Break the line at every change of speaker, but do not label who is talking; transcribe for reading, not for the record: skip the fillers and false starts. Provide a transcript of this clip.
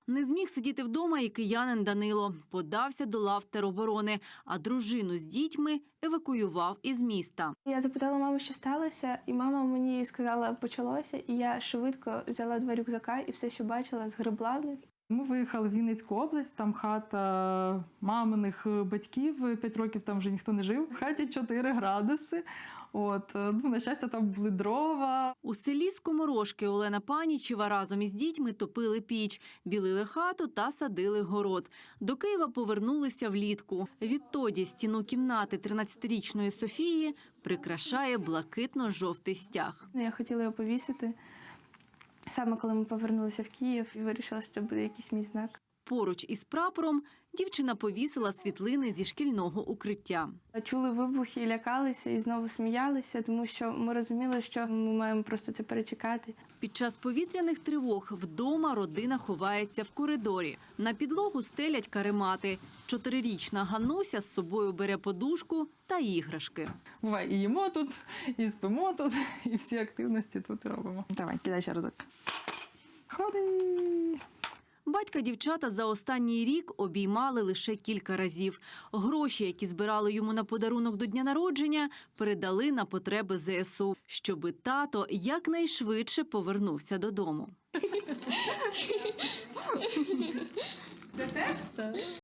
Не зміг сидіти вдома і киянин Данило. Подався до лав тероборони, а дружину з дітьми евакуював із міста.
Я запитала маму, що сталося, і мама мені сказала, почалося, і я швидко взяла 2 рюкзака і все, що бачила, згребла в них.
Ми виїхали в Вінницьку область, там хата маминих батьків, 5 років там вже ніхто не жив. В хаті 4 градуси. На щастя, там були дрова.
У селі Скоморошки Олена Панічева разом із дітьми топили піч, білили хату та садили город. До Києва повернулися влітку. Відтоді стіну кімнати 13-річної Софії прикрашає блакитно-жовтий стяг.
Я хотіла його повісити. Саме коли ми повернулися в Київ, і вирішила, що це буде якийсь мій знак.
Поруч із прапором дівчина повісила світлини зі шкільного укриття.
Чули вибухи, лякалися і знову сміялися, тому що ми розуміли, що ми маємо просто це перечекати.
Під час повітряних тривог вдома родина ховається в коридорі. На підлогу стелять каремати. 4-річна Гануся з собою бере подушку та іграшки.
Буває, і їмо тут, і спимо тут, і всі активності тут робимо. Давай, кидай ще разок. Ходи!
Батька дівчата за останній рік обіймали лише кілька разів. Гроші, які збирали йому на подарунок до дня народження, передали на потреби ЗСУ, щоби тато якнайшвидше повернувся додому.
Це теж? Так.